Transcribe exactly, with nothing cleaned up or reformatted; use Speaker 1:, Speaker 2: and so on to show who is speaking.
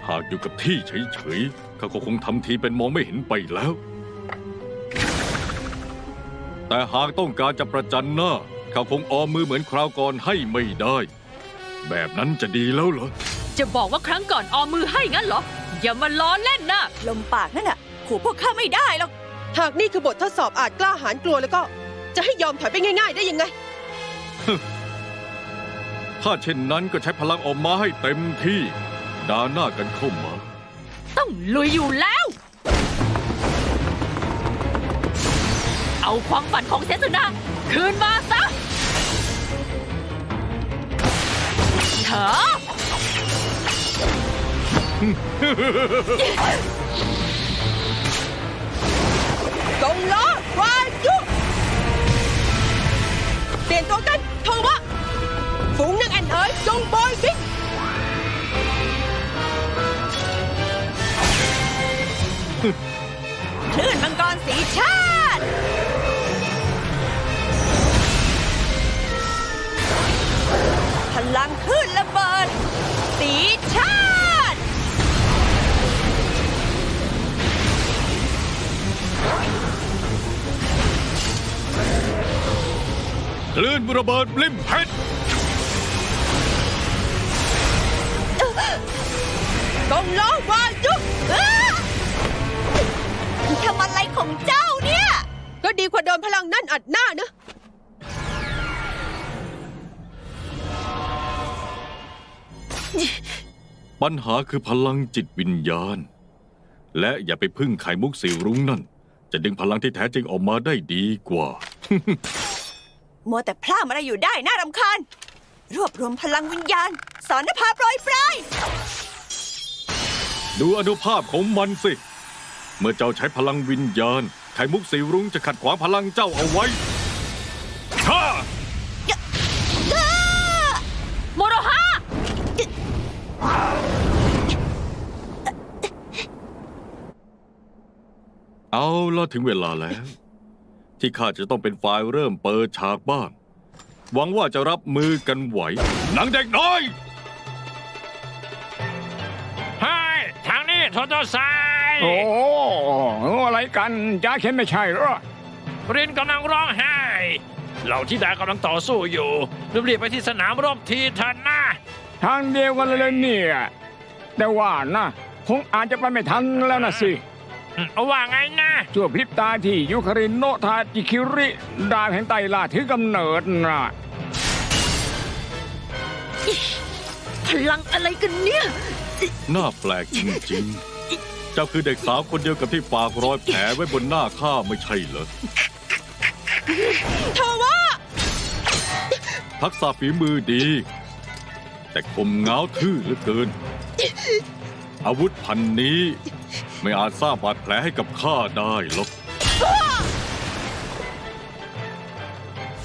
Speaker 1: หากอยู่กับที่เฉยๆเขาก็คงทำทีเป็นมองไม่เห็นไปแล้ว แต่หากต้องการจะประจันหน้าเขาคงออมมือเหมือนคราวก่อนให้ไม่ได้ แบบนั้นจะดีแล้วเหรอ
Speaker 2: จะบอกว่าครั้งก่อนออมมือให้งั้นเหรอ อย่ามาล้อเล่นนะ
Speaker 3: ลมปากนั่นน่ะขู่พวกข้าไม่ได้หรอก
Speaker 4: หากนี่คือบททดสอบอาจกล้าหาญกลัวแล้วก็ จะให้ยอมถอยไปง่ายๆได้ยังไง
Speaker 1: ถ้าเช่นนั้นก็ใช้พลังออกมาให้เต็มที่ด่าหน้ากันเข้ามา
Speaker 2: ต้องลุยอยู่แล้ว เอาความฝันของเซซุนะคืนมาซะเถอะ
Speaker 4: กงล้อวายุเปลี่ยนตัวกันโทวะฝูงนางแอนเอ๋ยจงโบยบิน
Speaker 3: คลื่นมังกรสีชาติพลังคลื่นระเบิดสีชาติ
Speaker 1: คลื่นระเบิดบลิมเพชร
Speaker 4: กงล้อวายุ
Speaker 3: ทำอะไรของเจ้าเนี่ย
Speaker 4: ก็ดีกว่าโดนพลังนั่นอัดหน้านะ
Speaker 1: ปัญหาคือพลังจิตวิญญาณ และอย่าไปพึ่งไข่มุกสีรุ้งนั่น จะดึงพลังที่แท้จริงออกมาได้ดีกว่า
Speaker 3: มัวแต่พลาดอะไรอยู่ได้น่ารำคาญ รวบรวมพลังวิญญาณ สอนนภาโปรยปลาย
Speaker 1: ดูอนุภาพของมันสิ เมื่อเจ้าใช้พลังวิญญาณ ไข่มุกสีรุ้งจะขัดขวางพลังเจ้าเอาไว้ฮ่า
Speaker 2: โมโรฮะ
Speaker 1: เอาละถึงเวลาแล้ว ที่ข้าจะต้องเป็นฝ่ายเริ่มเปิดฉากบ้าง หวังว่าจะรับมือกันไหวหนังเด็กน้อย
Speaker 5: เฮ้ยทางนี้โทโตไซ
Speaker 6: โอ้อะไรกันจ้าเข็นไม่ใช่เหรอ
Speaker 5: รินกำลังร้องไห้เหล่าธิดากำลังต่อสู้อยู่รีบๆไปที่สนามรบทีเถอะนะ
Speaker 6: ทางเดียวกันเลยเนี่ยแต่ว่านะคงอาจจะไปไม่ทันแล้วนะสิ
Speaker 5: อืมว่าไงนะ
Speaker 6: ชั่วพริบตาที่ยุคารินโนทาจิคิริดาวแห่งไตรลาถือกำเนิดนะ
Speaker 2: พลังอะไรกันเนี่ย
Speaker 1: น่าแปลกจริงๆ เจ้าคือเด็กสาวคนเดียวกับที่ฝากรอยแผลไว้บนหน้าข้าไม่ใช่เหรอ
Speaker 4: โทวะ
Speaker 1: ทักษะฝีมือดี แต่คมง้าวทื่อเหลือเกิน อาวุธพันนี้ไม่อาจสร้างบาดแผลให้กับข้าได้หรอก